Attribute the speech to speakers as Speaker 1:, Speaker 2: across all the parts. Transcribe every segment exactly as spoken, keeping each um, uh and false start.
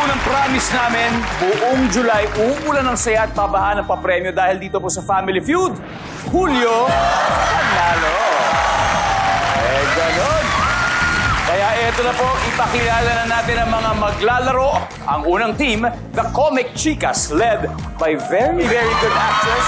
Speaker 1: ng promise namin, buong July, uulan ng saya at pabahan ng papremyo dahil dito po sa Family Feud, Hulyo, panalo. Eh, ganon. Kaya eto na po, ipakilala na natin ang mga maglalaro. Ang unang team, the Comic Chicas, led by very, very good actress,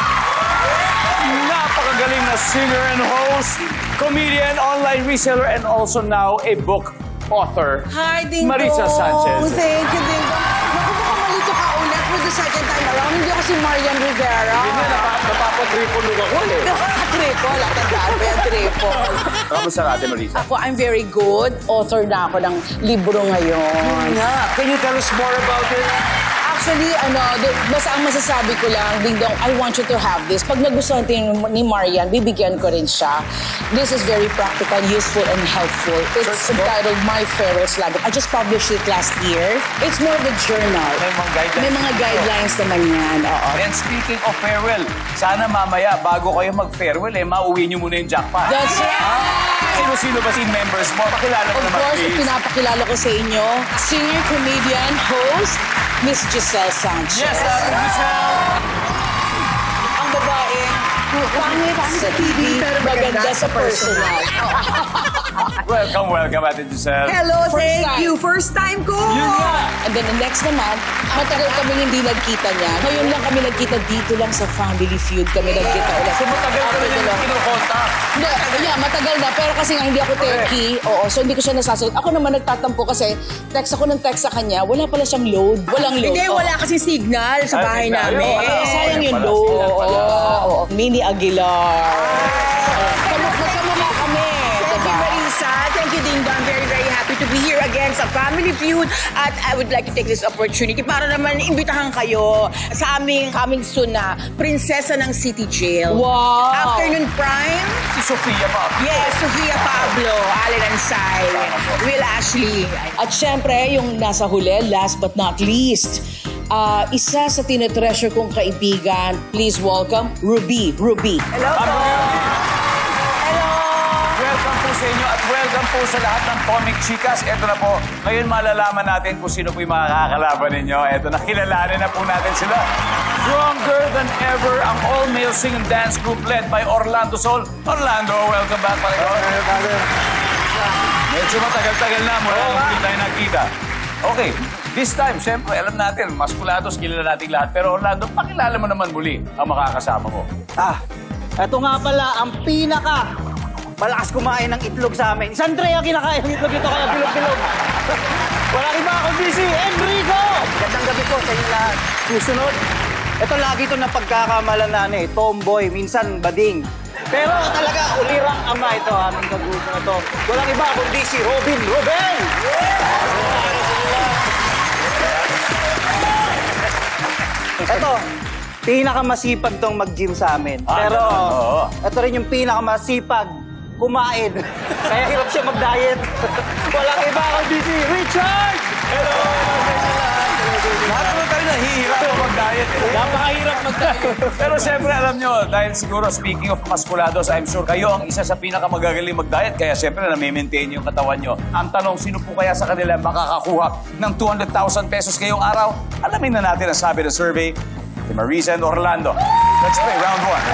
Speaker 1: napakagaling na singer and host, comedian, online reseller, and also now a book author,
Speaker 2: Hi, Ding
Speaker 1: Marisa
Speaker 2: Dong.
Speaker 1: Sanchez.
Speaker 2: Thank you, Ding Dong. Naku, baka malito ka ulit for the second time around. Hindi ako si Marian Rivera.
Speaker 1: Hindi na, napa, napapatriple look ako eh.
Speaker 2: Triple, at ang dami, triple.
Speaker 1: Kamusta natin, Marisa?
Speaker 2: Ako, I'm very good. Author na ako ng libro ngayon.
Speaker 1: Can you tell us more about it?
Speaker 2: Actually, ano, the- basta ang masasabi ko lang, Ding Dong, I want you to have this. Pag nagustuhan din ni Marian, bibigyan ko rin siya. This is very practical, useful, and helpful. It's
Speaker 1: Search mo?
Speaker 2: entitled My Farewell's Lab. I just published it last year. It's more of a journal.
Speaker 1: May mga guidelines.
Speaker 2: May mga guidelines naman yan, oo.
Speaker 1: And speaking of farewell, sana mamaya, bago kayo mag-farewell, eh, mauwi nyo muna yung jackpot.
Speaker 2: That's right!
Speaker 1: Sino-sino ba si members mo? Pakilala mo
Speaker 2: Of
Speaker 1: naman,
Speaker 2: course,
Speaker 1: please.
Speaker 2: pinapakilala ko sa inyo, singer, comedian, host, Miss Giselle Sanchez.
Speaker 1: Yes, uh, Michelle.
Speaker 2: Ang babaeng pangit sa T V, pero maganda sa personal.
Speaker 1: Welcome, welcome, Ate Giselle.
Speaker 3: Hello,
Speaker 2: First
Speaker 3: thank
Speaker 2: time.
Speaker 3: you. First time ko.
Speaker 1: Yun nga.
Speaker 2: And then the next naman, matagal kaming hindi nagkita niya. Ngayon lang kami nagkita dito lang sa Family Feud kami nagkita ulit.
Speaker 1: So, matagal ka rin yung kinukonta.
Speaker 2: Hindi, yeah, matagal na. Pero kasi nga hindi ako techie. Oo, so hindi ko siya nasasagot. Ako naman nagtatampo kasi text ako ng text sa kanya. Wala pala siyang load. Walang load.
Speaker 3: Hindi,
Speaker 2: Oo.
Speaker 3: wala kasi signal sa
Speaker 1: Ay,
Speaker 3: bahay
Speaker 1: signal.
Speaker 3: namin.
Speaker 1: Wala.
Speaker 2: Eh, sayang yung
Speaker 1: Pala,
Speaker 2: load.
Speaker 1: signal pala.
Speaker 2: Oo, oo. Mini Aguilar. Kamu- Magkamukha kami.
Speaker 3: Thank you,
Speaker 2: Diba?
Speaker 3: Marisa. Thank you, Ding Dong. Very, very happy to be here again sa Family Feud. At I would like to take this opportunity para naman imbitahan kayo sa aming coming soon na Prinsesa ng City Jail.
Speaker 2: Wow.
Speaker 3: Afternoon Prime.
Speaker 1: Si Sofia pa.
Speaker 3: Yes, Sofia Pablo, Allen Ansay, Will Ashley.
Speaker 2: At syempre, yung nasa huli, last but not least, ah, isa sa tinetreasure kong kaibigan, please welcome, Ruby. Ruby.
Speaker 3: Hello po. Hello.
Speaker 1: Welcome po sa inyo at welcome po sa lahat ng Comic Chicas. Ito na po, ngayon malalaman natin kung sino po yung mga kakalaban ninyo. Ito na, kilalanin na po natin sila. Stronger than ever, ang all-male sing and dance group led by Orlando Sol. Orlando, welcome back, Pareho. Medyo matagal-tagal na mula nung hindi tayo nagkita. Okay, this time, syempre, alam natin, maskulados, kilala natin lahat. Pero Orlando, pakilala mo naman muli ang makakasama mo.
Speaker 4: Ah, eto nga pala ang pinaka malakas kumain ng itlog sa amin. Si Andrea kinakain ng itlog ito kaya bilog-bilog. Walang iba kundi si Enrico! Gandang gabi po sa inyo lahat. Susunod, ito lagi ito na pagkakamalanan eh. Tomboy, minsan bading. Pero talaga, ulirang ama ito, aming kagrupo na to. Walang iba kundi si Robin Robin! Ito, pinakamasipag tong mag-gym sa amin.
Speaker 1: Ah,
Speaker 4: Pero,
Speaker 1: ganun, oo.
Speaker 4: ito rin yung pinakamasipag kumain. Kaya hirap siya mag-diet. Walang iba kundi si Richard! Hello!
Speaker 1: Lahat naman tayo nahihirap mag-diet. Eh.
Speaker 4: Napakahirap mag-diet.
Speaker 1: Pero siyempre, alam nyo, dahil siguro, speaking of maskulados, I'm sure kayo ang isa sa pinakamagagaling mag-diet. Kaya siyempre, na-maintain yung katawan nyo. Ang tanong, sino po kaya sa kanila makakakuha ng two hundred thousand pesos ngayong araw? Alamin na natin ang sabi ng survey ni Marisa and Orlando. Let's play round one.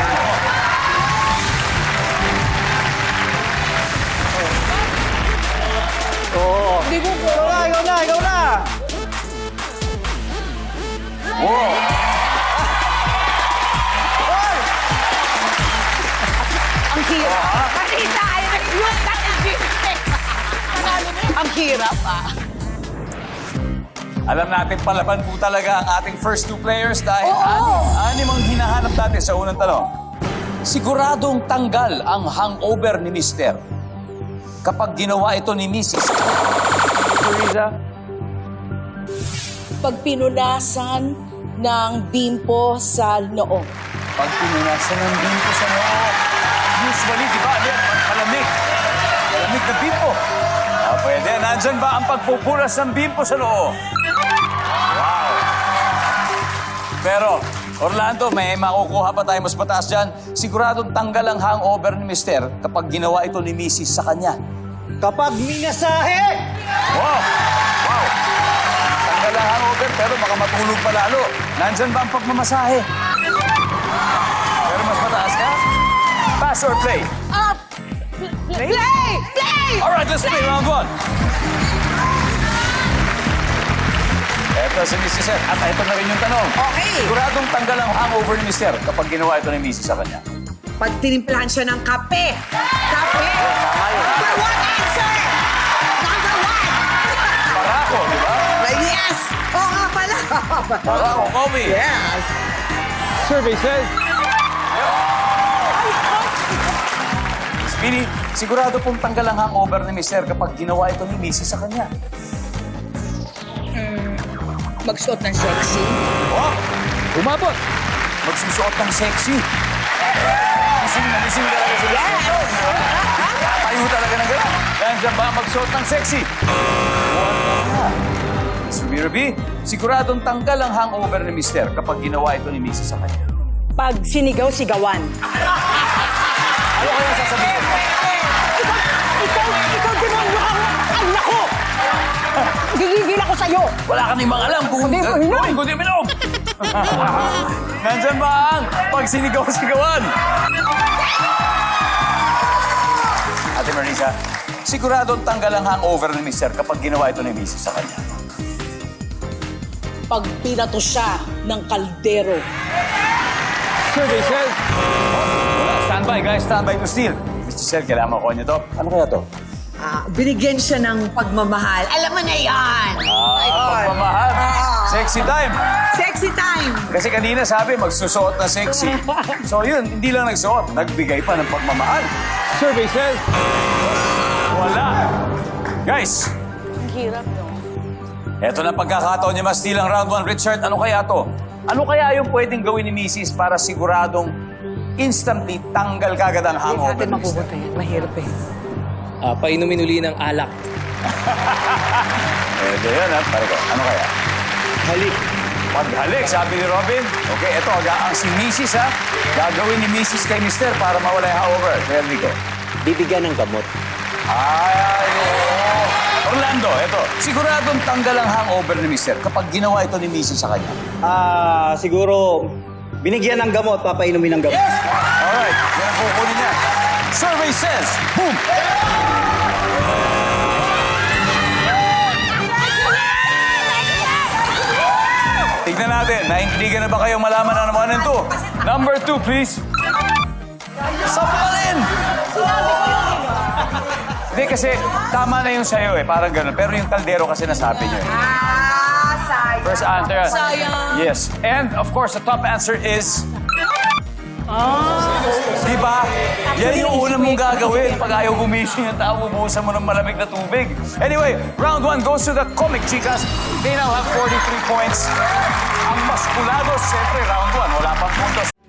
Speaker 4: Oo.
Speaker 2: Hindi ko po.
Speaker 4: Ikaw na, ikaw na, ikaw na!
Speaker 1: Wow!
Speaker 2: Ang hirap. Marisa, I refuse that existence. Ang hirap, ah.
Speaker 1: Alam natin, palaban po talaga ang ating first two players dahil
Speaker 2: Oo.
Speaker 1: anim, anim ang hinahanap natin sa unang tanong. Siguradong tanggal ang hangover ni Mister kapag ginawa ito ni Missus Marisa?
Speaker 2: Pag pinunasan ng bimpo sa noo.
Speaker 1: Pag pinunasan ng bimpo sa noo, usually, di ba, ano yan? Malamig. Malamig na bimpo. Ah, pwede. Nandyan ba ang pagpupunas ng bimpo sa noo? Wow. Pero, Orlando, may makukuha pa tayo mas mataas dyan. Siguradong tanggal ang hangover ni Mister kapag ginawa ito ni Missus sa kanya.
Speaker 4: Kapag minasahe!
Speaker 1: Wow! Wow! Tanggal ang pero baka matulog pa lalo. Nandyan ba ang pagmamasahe? Pero mas mataas ka? Pass or play?
Speaker 2: Up! Play! Play!
Speaker 1: Alright, let's play round one. Eto si Mister Sir. At ito na rin yung tanong.
Speaker 3: Okay.
Speaker 1: Siguradong tanggal ang hangover ni Mister kapag ginawa ito ni Missus sa kanya.
Speaker 3: Pag tinimplahan siya ng kape. Kape. Number one answer. Number one.
Speaker 1: Parako, di ba?
Speaker 3: Yes. Oo nga pala.
Speaker 1: Parako, Kobe.
Speaker 3: Yes.
Speaker 4: Survey says...
Speaker 1: Speedy, sigurado pong tanggal ang hangover ni Mister kapag ginawa ito ni Missus sa kanya.
Speaker 3: Magsuot ng sexy.
Speaker 1: Oh,
Speaker 4: Umabot!
Speaker 1: magsusuot ng sexy. Gising na gising talaga sila.
Speaker 3: Yes.
Speaker 1: Tayo talaga ng gano'n. Nandiyan ba ang magsuot ng sexy? Wala. Mister Miraby, siguradong tanggal ang hangover ni Mister kapag ginawa ito ni Missus sa kanya.
Speaker 3: Pag sinigaw-sigawan.
Speaker 1: Ano kaya sasabihin?
Speaker 3: Ikaw, ikaw demonyo ka mo. Anak ko! Gigigil ako sa'yo.
Speaker 1: Wala ka namang alam kung
Speaker 3: Kundi mo inom.
Speaker 1: Kundi, kundi minom. Nandyan ba ang pag sinigaw-sigawan? Ate Marisa, siguradong tanggal ang hangover ni Mister kapag ginawa ito ni Missus sa kanya.
Speaker 2: Pag pinato siya ng kaldero.
Speaker 4: Survey says...
Speaker 1: Stand by, guys. Stand by to steal. Mister Sir, kailangan ko niyo to. Ano kaya to?
Speaker 3: Ah, binigyan siya ng pagmamahal. Alam mo na yan.
Speaker 1: Ah, pagmamahal. Sexy time.
Speaker 3: Sexy time.
Speaker 1: Kasi kanina sabi, magsusuot na sexy. So yun, hindi lang nagsuot, nagbigay pa ng pagmamahal.
Speaker 4: Survey says...
Speaker 1: Wala. Guys,
Speaker 2: Ang hirap, no?
Speaker 1: eto na pagkakataon niya ma-steal ang round one. Richard, ano kaya to? Ano kaya yung pwedeng gawin ni Missus para siguradong instantly tanggal kagad ang hangover ni Mister?
Speaker 3: yan. Mahirap eh.
Speaker 5: Ah, painumin uli ng alak.
Speaker 1: Pwede yan, ha? Pare ko, ano kaya?
Speaker 5: Halik.
Speaker 1: Paghalik, sabi ni Robin. Okay, eto, aga, ang si Missus ha, gagawin ni Missus kay Mister para mawala yung hangover. Kaya Rico.
Speaker 5: Bibigyan ng gamot.
Speaker 1: Ay, oo. Orlando, eto, siguradong tanggal ang hangover ni Mister kapag ginawa ito ni Missus sa kanya.
Speaker 4: Ah, siguro... Binigyan ng gamot, papainumin ng gamot.
Speaker 1: Alright, yan ang kukunin niya. Survey says, boom! Tignan natin, naintindigan na ba kayong malaman na naman ng two? Number two, please. Sapalin! Hindi kasi, tama na yung sayo eh, parang ganun. Pero yung kaldero kasi nasabi niyo eh.
Speaker 3: Ah, sayang.
Speaker 1: First answer.
Speaker 2: Sayang.
Speaker 1: Yes. And of course, the top answer is... Di ba? Yan yung unang mong gagawin pag ayaw gumising yung tao, bubuhusan mo ng malamig na tubig. Anyway, round one goes to the Comic Chicas. They now have forty-three points. Ang Masculados, siyempre, round one. Wala pang puntos.